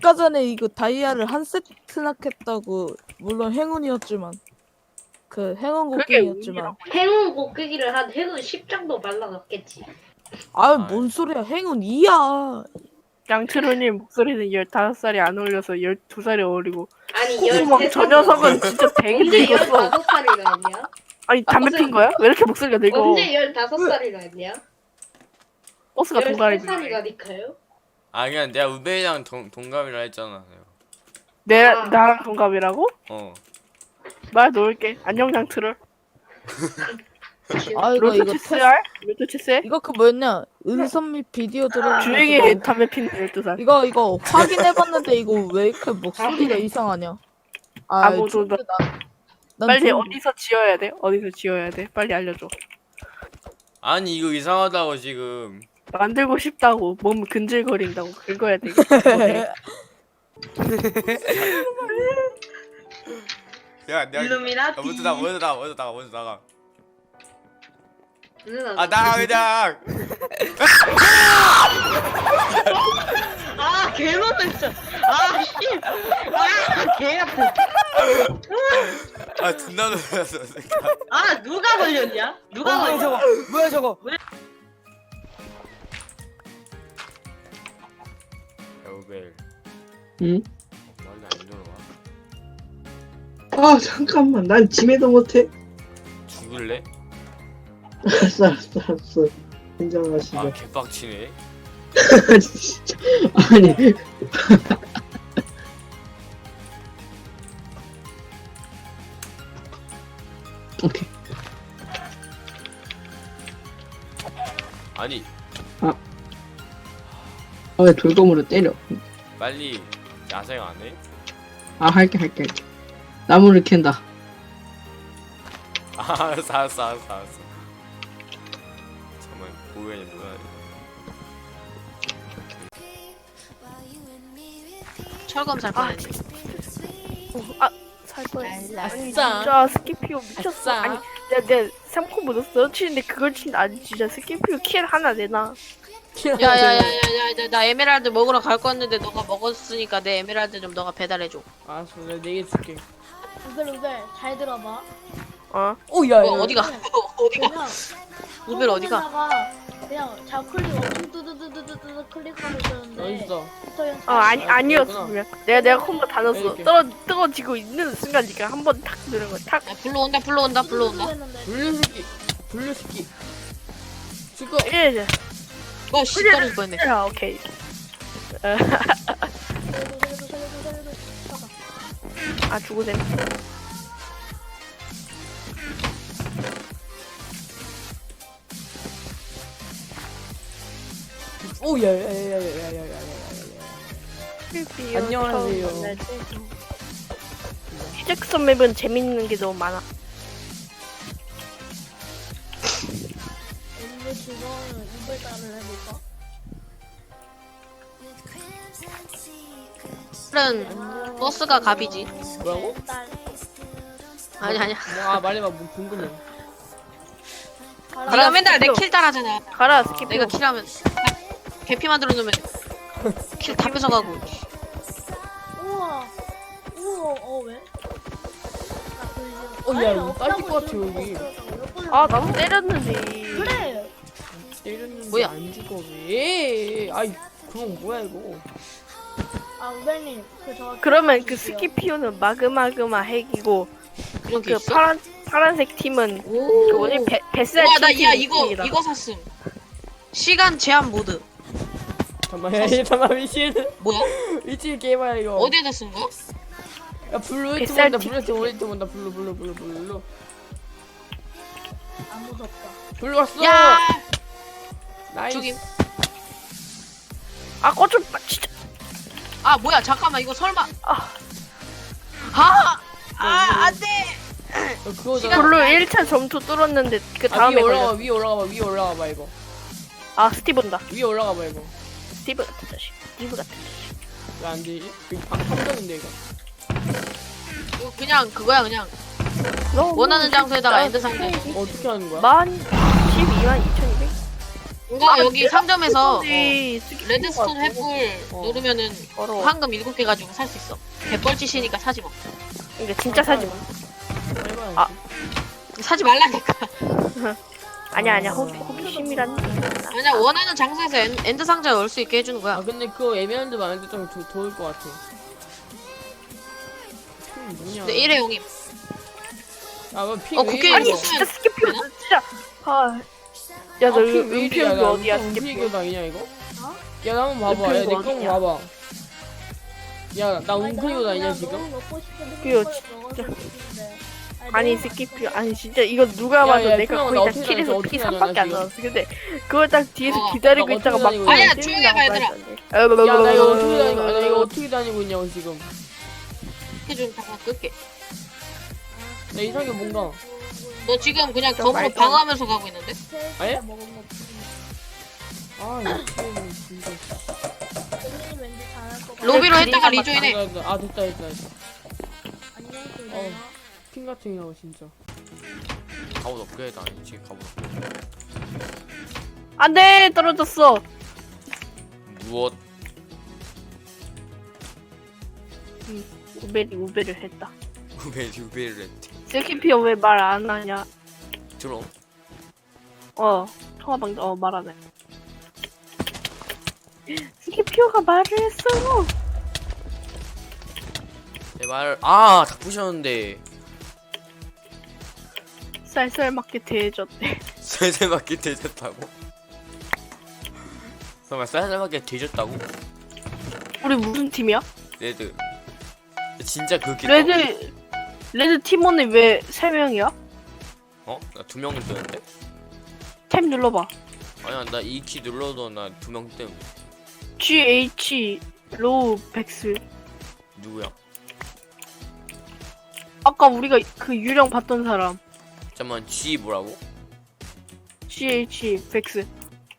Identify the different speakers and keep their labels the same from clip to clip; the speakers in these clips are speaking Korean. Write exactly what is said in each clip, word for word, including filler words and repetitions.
Speaker 1: 아까 전에 이거 다이아를 한 세트나 캤다고. 물론 행운이었지만. 그 행운
Speaker 2: 그게
Speaker 1: 곡괭이였지만.
Speaker 3: 행운 곡괭이를 한 행운 십 장도 말라놨겠지.
Speaker 1: 아유 뭔 소리야. 행운 이야.
Speaker 2: 양트로님 목소리는 열다섯 살이 안 어울려서 열두 살이 어리고
Speaker 3: 아니
Speaker 2: 콧구멍
Speaker 3: 열세
Speaker 2: 저
Speaker 3: 살.
Speaker 2: 녀석은 진짜 되게
Speaker 3: 언제
Speaker 2: 늙었어.
Speaker 3: 열다섯 살이라 했냐?
Speaker 2: 아니 담배 핀 거야? 왜 이렇게 목소리가 늙어?
Speaker 3: 언제 열다섯 살이라 했냐?
Speaker 2: 버스가
Speaker 3: 열세
Speaker 2: 동갑이
Speaker 3: 살이라니까요.
Speaker 4: 아 그냥 내가 우베이랑 동, 동갑이라 했잖아.
Speaker 2: 내
Speaker 3: 아.
Speaker 2: 나랑 동갑이라고?
Speaker 4: 어.
Speaker 2: 말 놓을게. 안녕 양트롤.
Speaker 1: 아 이거
Speaker 2: 로또
Speaker 1: 이거
Speaker 2: 체스
Speaker 1: 테스...
Speaker 2: 할? 로또 체스 해?
Speaker 1: 이거 그 뭐였냐? 은선 및 비디오 들어.
Speaker 2: 주행에 담배 피는 열두 살.
Speaker 1: 이거 이거 확인해봤는데 이거 왜 이렇게 목소리가 이상하냐? 아,
Speaker 2: 아무도
Speaker 1: 좋은데, 난, 난
Speaker 2: 빨리
Speaker 1: 좋은데.
Speaker 2: 어디서 지어야 돼? 어디서 지어야 돼? 빨리 알려줘.
Speaker 4: 아니 이거 이상하다고 지금.
Speaker 2: 만들고 싶다고 몸 근질거린다고 긁어야 돼.
Speaker 4: 야 내가
Speaker 3: 일루미나티.
Speaker 4: 먼저 나가 먼저 나가 먼저 나가 먼저 나가.
Speaker 3: 누나.
Speaker 4: 아 나가 그냥.
Speaker 3: 아 개놀랐어. 아 씨. 아개 아파.
Speaker 4: 아 존나 놀랐어.
Speaker 3: 아 누가 걸렸냐? 누가
Speaker 1: 뭐야
Speaker 3: 걸렸?
Speaker 1: 저거? 뭐야 저거?
Speaker 4: 야 우베이.
Speaker 5: 응?
Speaker 4: 어, 빨리 안 들어와.
Speaker 5: 아 잠깐만 난 짐에도 못해.
Speaker 4: 죽을래?
Speaker 5: 알았어 알았어 알았어 인정하시죠.
Speaker 4: 아 개빡치네.
Speaker 5: 진짜 아니 오케이.
Speaker 4: 아니
Speaker 5: 아 왜 돌검으로 때려.
Speaker 4: 빨리 야생 안 해?
Speaker 5: 아 할게 할게 할게. 나무를 캔다.
Speaker 4: 아, 알았어 알았어 알았어 알았어. 잠깐만 고양이 뭐야?
Speaker 6: 철검 살 뻔했네.
Speaker 2: 아, 살 뻔했어. 아니
Speaker 1: 아싸.
Speaker 2: 진짜 스키피오 미쳤어.
Speaker 1: 아싸.
Speaker 2: 아니 내가 내가 삼 코 묻었어 치는데 그걸 친다. 아니 진짜 스키피오 킬 하나 내놔.
Speaker 6: 야야야야야, 나 에메랄드 먹으러 갈 거였는데 너가 먹었으니까 내 에메랄드 좀 너가 배달해줘.
Speaker 1: 알았어, 내가 내게 줄게.
Speaker 7: 우벨 우벨 잘 들어봐.
Speaker 2: 어?
Speaker 1: 오야.
Speaker 6: 뭐 어디가? 어디가?
Speaker 7: 그냥
Speaker 6: 우벨 어디가?
Speaker 7: 컴퓨터에다가 그냥 좌클릭 엄청 뜨드드드드드 클릭하면 되는데.
Speaker 1: 어딨어?
Speaker 2: 어 아니 아니었어.
Speaker 1: 그렇구나.
Speaker 2: 그냥 내가 내가 콤보 다 넣었어.
Speaker 1: 이렇게.
Speaker 2: 떨어 뜨거지고 있는 순간 니가 한 번 탁 누른 거 탁.
Speaker 6: 야, 불러온다 불러온다 불러온다.
Speaker 1: 블루스키, 블루스키. 죽어.
Speaker 2: 예.
Speaker 6: 어 씨, 떨어질 뻔했네.
Speaker 2: 아 오케이.
Speaker 7: 살려줘 살려줘 살려줘 살려줘. 봐봐.
Speaker 2: 아 죽으셈.
Speaker 1: 오야야야야야야야야야. 안녕하세요.
Speaker 2: 시작선 맵은 재밌는 게 너무 많아.
Speaker 7: 오늘 즐거운 우벨 따를 해볼까?
Speaker 6: 다른 버스가 갑이지.
Speaker 1: 뭐라고?
Speaker 7: 딸.
Speaker 6: 아니 아니야.
Speaker 1: 아 말해봐, 뭐 궁금해.
Speaker 6: 네가 맨날 내 킬 따라하잖아.
Speaker 2: 가라 스키피오.
Speaker 6: 내가 킬하면 개피 만들어 놓으면 킬 다 뺏어가고.
Speaker 7: 우와. 우와. 어 왜?
Speaker 1: 어, 야, 이거 딸릴 것 같아, 여기.
Speaker 2: 아 나도 때렸는데.
Speaker 7: 그래.
Speaker 1: 때렸는데
Speaker 6: 뭐야?
Speaker 1: 안 죽어 왜? 아이, 그건 뭐야 이거?
Speaker 7: 아 우벨님 그저.
Speaker 2: 그러면 그 스키피오는 마그마그마 핵이고
Speaker 6: 그런 게
Speaker 2: 그
Speaker 6: 있어?
Speaker 2: 파란 파란색 팀은 그
Speaker 6: 오.
Speaker 2: 뭐지 배 뱃살
Speaker 6: 와, 나 야
Speaker 2: 팀
Speaker 6: 이거
Speaker 2: 팀이다.
Speaker 6: 이거 샀음. 시간 제한 모드.
Speaker 1: 잠깐만, 야, 잠깐만, 미친.
Speaker 6: 뭐야?
Speaker 1: 미친 게임이야 이거.
Speaker 6: 어디에다 쓴 거야?
Speaker 1: 야, 블루 히트
Speaker 2: 뱃살
Speaker 1: 본다,
Speaker 2: 티-
Speaker 1: 블루 히트 오리트 본다, 블루, 블루, 블루, 블루.
Speaker 7: 안 무섭다.
Speaker 1: 블루 왔어.
Speaker 6: 야,
Speaker 1: 나이스.
Speaker 6: 죽임.
Speaker 2: 아 꺼좀 진짜.
Speaker 6: 아 뭐야? 잠깐만 이거 설마?
Speaker 2: 아.
Speaker 6: 아, 아 안돼.
Speaker 1: 어, 그거
Speaker 6: 시간-
Speaker 2: 블루 일 차 점수 뚫었는데 그
Speaker 1: 아,
Speaker 2: 다음에
Speaker 1: 위에 올라가,
Speaker 2: 걸렸어.
Speaker 1: 위에 올라가봐, 위에 올라가봐 이거.
Speaker 2: 아 스티브다.
Speaker 1: 위에 올라가봐 이거.
Speaker 2: 스티브 같은 자식. 스티브 같은 자식.
Speaker 1: 왜 안 되지? 이거 방 함정인데 이거.
Speaker 6: 이거 그냥 그거야 그냥
Speaker 2: 너무
Speaker 6: 원하는 장소에다가
Speaker 2: 진짜
Speaker 6: 엔드 상자.
Speaker 1: 어떻게 하는 거야?
Speaker 2: 만 십이만 이천이백.
Speaker 6: 뭔가 여기 상점에서 어,
Speaker 2: 근데 스킵
Speaker 6: 레드스톤 횃불
Speaker 2: 어.
Speaker 6: 누르면은
Speaker 2: 걸어.
Speaker 6: 황금 일곱 개 가지고 살 수 있어. 개뻘짓이니까 사지 마.
Speaker 2: 그러니까 진짜 사지 마.
Speaker 1: 아,
Speaker 6: 사지 말라니까.
Speaker 2: 아니야 아니야 호, 호기심이란.
Speaker 6: 아니야 원하는 장소에서 엔, 엔드 상자에 넣을 수 있게 해주는
Speaker 3: 아
Speaker 6: 거야.
Speaker 3: 근데 그거 에메랄드 많은데 좀 조, 좋을 것 같아. 핑 뭐냐?
Speaker 6: 근데 일회용임.
Speaker 3: 아, 그럼 핑
Speaker 6: 어,
Speaker 3: 왜
Speaker 6: 국회
Speaker 3: 이래,
Speaker 6: 아니,
Speaker 3: 이거?
Speaker 2: 진짜 스킵 진짜. 아. 야, 너
Speaker 3: 아, 핑왜 이래? 야,
Speaker 2: 은폐용기
Speaker 3: 나
Speaker 2: 어디야?
Speaker 3: 은폐
Speaker 2: 스킵.
Speaker 3: 교도 아니냐 이거?
Speaker 7: 어?
Speaker 3: 야, 나 한번 봐봐. 야, 내
Speaker 2: 은폐용기
Speaker 3: 거
Speaker 2: 어디냐?
Speaker 3: 봐봐. 야, 나 은폐 교도 아니냐 지금?
Speaker 7: 너무 먹고 싶은데
Speaker 2: 그거
Speaker 7: 그걸 먹어서 싶은데.
Speaker 2: 아니
Speaker 7: 너무
Speaker 2: 스킵 아니 진짜 이거 누가
Speaker 3: 야,
Speaker 2: 봐도
Speaker 3: 야,
Speaker 2: 내가
Speaker 3: 그냥
Speaker 2: 거의
Speaker 3: 나
Speaker 2: 다
Speaker 3: 어떻게
Speaker 2: 킬에서
Speaker 3: 다녔어?
Speaker 2: 피
Speaker 3: 어떻게
Speaker 2: 삼밖에 안
Speaker 3: 다녔어,
Speaker 2: 나왔어. 근데 그걸 딱 뒤에서
Speaker 6: 어,
Speaker 2: 기다리고
Speaker 3: 나
Speaker 2: 있다가
Speaker 3: 어떻게
Speaker 2: 막
Speaker 3: 다니고
Speaker 6: 있냐? 조용히 해봐, 얘들아.
Speaker 3: 야, 나 이거 어떻게 다니고? 아, 나 이거 어떻게 다니고 있냐고 지금?
Speaker 6: 해좀 잠깐 끌게.
Speaker 3: 나 이상하게 뭔가.
Speaker 6: 너 지금 그냥
Speaker 2: 좀
Speaker 6: 검으로
Speaker 2: 말도
Speaker 6: 방어하면서 가고 있는데?
Speaker 3: 아예?
Speaker 7: 먹은 거
Speaker 3: 아, 이거 게임은 진짜.
Speaker 7: 본인이 왠지 잘할 것 같아.
Speaker 6: 로비로
Speaker 2: 그림자
Speaker 6: 했다가
Speaker 2: 맞다.
Speaker 6: 리조인해.
Speaker 3: 아, 됐다, 아, 됐다, 됐다. 됐다.
Speaker 7: 안녕히
Speaker 3: 어.
Speaker 7: 계세요.
Speaker 3: 핑 같은 경우 진짜.
Speaker 4: 갑옷 업그레이드 아니지 갑옷 업그레이드.
Speaker 2: 안돼 떨어졌어.
Speaker 4: 무엇?
Speaker 2: 우베리 우베를 했다.
Speaker 4: 왜 유배를 했지?
Speaker 2: 스킵피어 왜 말 안 하냐?
Speaker 4: 들어.
Speaker 2: 어 통화방 어 말하네. 스킵피어가 말을 했어.
Speaker 4: 내 말. 아, 다 부셨는데.
Speaker 2: 쌀쌀 맞게 대해줬대.
Speaker 4: 쌀쌀맞게 뒤졌다고? 정말 쌀쌀맞게 뒤졌다고?
Speaker 2: 우리 무슨 팀이야?
Speaker 4: 레드. 진짜 그렇게.
Speaker 2: 레드 레드 팀원이 왜 세 명이야?
Speaker 4: 어? 나 두 명 뜨는데?
Speaker 2: 탭 눌러봐.
Speaker 4: 아니야, 나 이 키 눌러도 나 두 명 뜸.
Speaker 2: G H 로우 백스.
Speaker 4: 누구야?
Speaker 2: 아까 우리가 그 유령 봤던 사람.
Speaker 4: 잠깐만, G 뭐라고?
Speaker 2: G H 백스.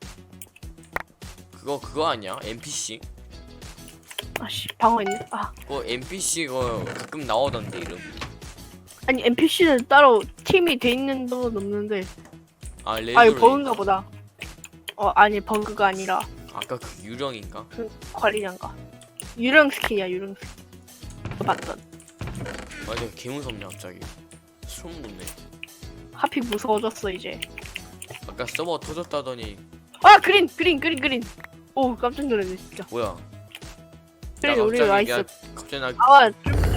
Speaker 4: 그거 그거 아니야? 엔피씨?
Speaker 2: 아씨 방어했네. 아
Speaker 4: 그거 엔피씨 그거 가끔 나오던데 이름.
Speaker 2: 아니 엔피씨는 따로 팀이 돼 있는 건 없는데.
Speaker 4: 아 레드.
Speaker 2: 아 이거 버그인가 보다. 어 아니 버그가 아니라
Speaker 4: 아까 그 유령인가?
Speaker 2: 그 관리자인가. 유령 스킨이야 유령 스킨. 그거 봤던.
Speaker 4: 맞아, 개 무섭네 갑자기. 소름 돋네.
Speaker 2: 하필 무서워졌어 이제.
Speaker 4: 아까 서버 터졌다더니
Speaker 2: 아 그린 그린 그린 그린. 오 깜짝 놀랐네 진짜.
Speaker 4: 뭐야?
Speaker 2: 그린
Speaker 4: 나
Speaker 2: 우리
Speaker 4: 갑자기
Speaker 2: 와
Speaker 4: 그냥
Speaker 2: 있어.
Speaker 4: 갑자기 나
Speaker 2: 아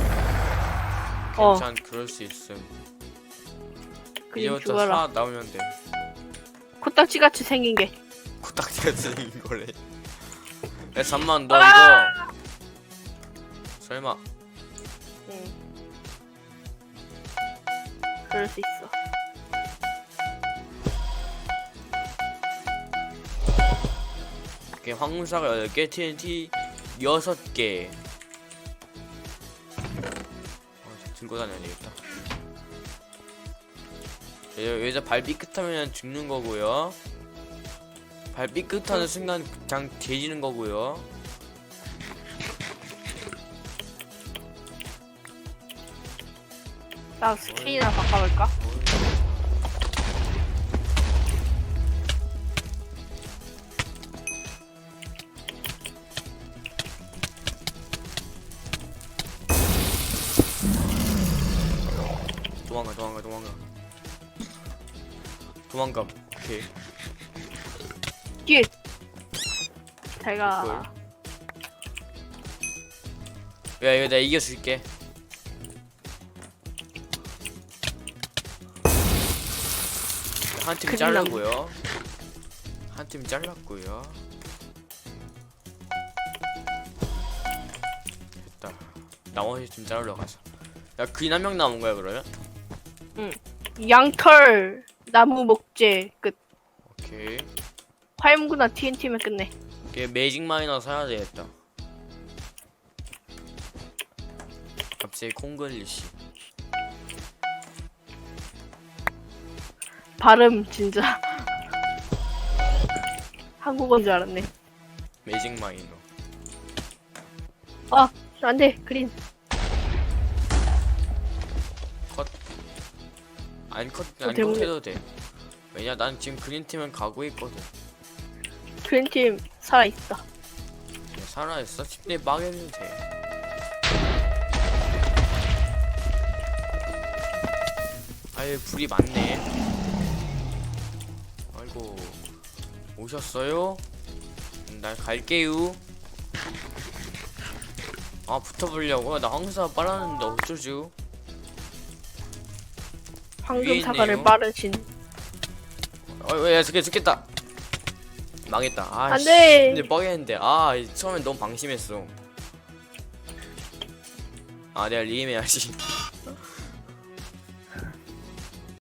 Speaker 2: 어.
Speaker 4: 괜찮 그럴 수 있음.
Speaker 2: 그린
Speaker 4: 이제부터
Speaker 2: 죽어라.
Speaker 4: 사 나오면 돼.
Speaker 2: 코딱지 같이 생긴 게.
Speaker 4: 코딱지가 생긴 거래. 야 잠만 너
Speaker 2: 아!
Speaker 4: 이거 설마
Speaker 2: 응. 그럴 수 있어.
Speaker 4: 이렇게 황무사가 여덟 개, 티엔티 여섯 개. 어, 들고 다녀야 되겠다. 여- 여기서 발 삐끗하면 죽는 거고요. 발 삐끗하는 순간 그냥 뒤지는 거고요.
Speaker 2: 나 스킨이나 바꿔볼까?
Speaker 4: 도망가 도망가 도망가 도망가. 오케이.
Speaker 2: 뒤에. 제가
Speaker 4: 야 이거 내가 이겨줄게. 한 팀
Speaker 2: 큰일
Speaker 4: 잘랐고요. 한 팀 잘랐고요. 됐다. 나머지 팀 자르러 가자. 야 그인 한 명 남은 거야 그러면?
Speaker 2: 양털 나무 목재 끝.
Speaker 4: 오케이.
Speaker 2: 화염구나 티엔티면 끝내.
Speaker 4: 걔 매직 마이너 사야 되겠다. 갑자기 콩글리시.
Speaker 2: 발음 진짜 한국어인 줄 알았네.
Speaker 4: 매직 마이너.
Speaker 2: 아 안돼 그린.
Speaker 4: 안 컷,
Speaker 2: 어,
Speaker 4: 안
Speaker 2: 대박이다.
Speaker 4: 컷해도 돼. 왜냐 난 지금 그린 팀은 가고 있거든.
Speaker 2: 그린팀 살아있다.
Speaker 4: 살아있어? 십 대 막해도 돼. 아유 불이 많네. 아이고 오셨어요? 음, 날 갈게요. 아 붙어보려고? 나 항상 빨았는데 어쩌죠? 위에
Speaker 2: 황금 사과를
Speaker 4: 있네요.
Speaker 2: 빠르신.
Speaker 4: 어야 야, 죽겠, 죽겠다. 망했다. 아, 씨.
Speaker 2: 안돼.
Speaker 4: 근데 뻐겠는데 아 처음엔 너무 방심했어. 아 내가 리임해야지.